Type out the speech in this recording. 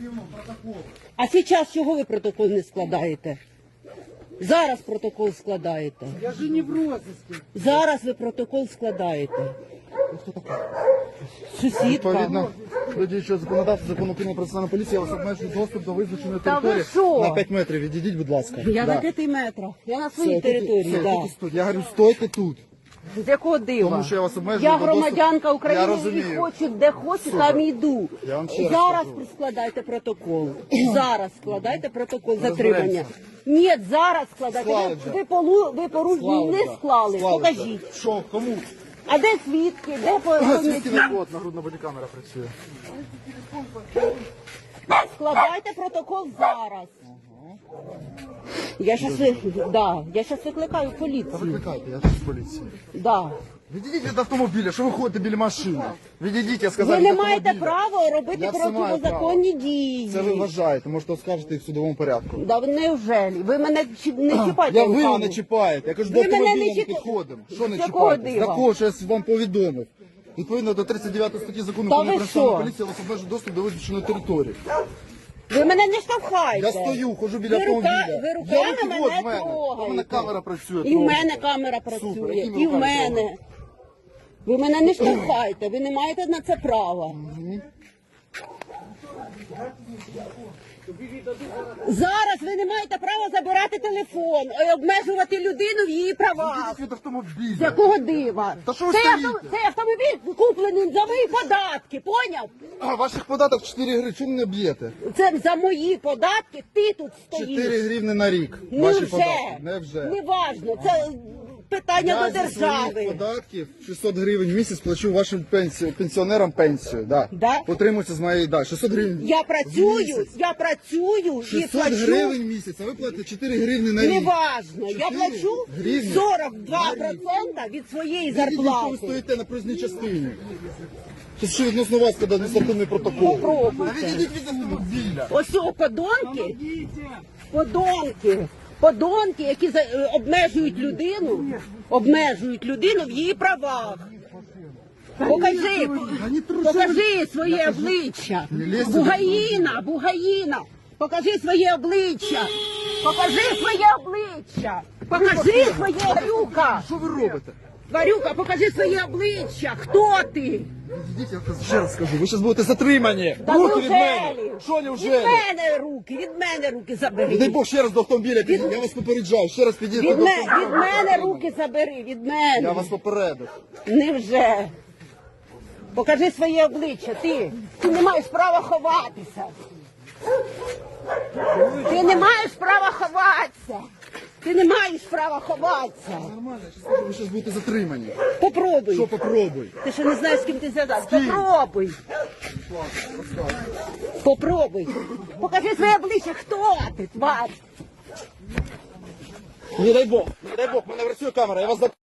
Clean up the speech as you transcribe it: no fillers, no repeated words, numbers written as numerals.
А зараз чого ви протокол не складаєте? Зараз протокол складаєте. Я же не в розыске. Зараз ви протокол складаєте. Сусідка. Відповідно до діючого законодавства, закону України про національну поліцію, я вас обмежую доступ до визначеної Та ви території що? на 5 метрів. Відійдіть, будь ласка. Я Да. на 5 метрах. Я на своїй Все, території, все, да. тільки тут. Я говорю, стойте тут. З якого дива? Тому що я вас обмежую Я до доступу. громадянка Я України і розумію. хочу, де хочу, там і йду. Я вам ще раз Зараз кажу. складайте протокол. Зараз складайте протокол затримання. Ні, зараз складайте. Склали Ви, вже. ви порушення не склали. Покажіть. Що, кому? А де свідки? Де Свідки поняті? не от, нагрудна бодікамера працює. Складайте протокол зараз. Я щас викликаю поліцію. Викликайте, я тут з поліції. Да. Відійдіть від автомобіля, що ви ходите біля машини? Відійдіть, я сказав, Ви від не маєте автомобіля. права робити Я все маю протизаконні дії. Це ви вважаєте, можете оскаржити і в судовому порядку. Да неужели? Ви мене не чіпайте. Ви руками. мене чіпаєте, я кажу, до Ви мене не автомобіля не чіпаєте. підходимо. Що не З якого чіпаєте? дива? За кого, що я вам повідомив? Відповідно до 39 статті закону Та України ви про національну що? поліцію, я вас обмежу доступ до визначеної території. Ви мене не штовхайте. Я стою, ходжу біля ви автомобіля. ви Я руками руки мене от в мене. трогаєте. У мене камера працює. І в трохи. мене камера Супер, працює. якими І в руками мене. трогаєте? Ви мене не штовхайте, ви не маєте на це права. Зараз ви не маєте права забирати телефон і обмежувати людину в її правах. Відійдіть від автомобіля. З якого дива? Та що ви Цей стоїте? цей автомобіль куплений за мої податки, поняв? А, ваших податок 4 гривні, чому не б'єте? Це за мої податки ти тут стоїш. 4 гривні на рік. Ваші Невже? податки. Невже. Неважно, це питання Я до зі своїх держави. податків 600 гривень в місяць плачу вашим пенсіонерам пенсію. Да. Да? Отримується з моєї, да, 600 гривень Я в працюю місяць. і 600 плачу. гривень в місяць, а ви платите 4 гривні на рік. Неважно, я 4 плачу гривні 42% від своєї Відійдіть, що ви зарплати. стоїте на проїзній частині. Це що відносно вас, коли адміністративний протокол. Попробуйте. Та відійдіть від автомобіля. Ось о, подонки, які обмежують людину в її правах. Покажи своє обличчя. Бугаїна, покажи своє обличчя. Покажи своє Варюка. Що ви робите? Варюка, покажи своє обличчя. Хто ти? Відійдіть, я ще раз скажу, ви зараз будете затримані. Та Руки від мене. неужелі? Що Від неужели? мене руки Не дай забери. Бог ще раз до автомобіля підійдіть, я вас попереджаю, ще раз підійдіть Від до мене руки забери, від Я мене. вас попередив. Невже? Покажи своє обличчя, ти не маєш права ховатися. Ти не маєш права ховатися. Нормально, я скажу, ви зараз будете затримані. Попробуй. Що попробуй? Ти ще не знаєш, з ким ти зв'язався. Попробуй. Покажи своє обличчя, хто ти, тварь. Не дай Бог, мене працює камера, я вас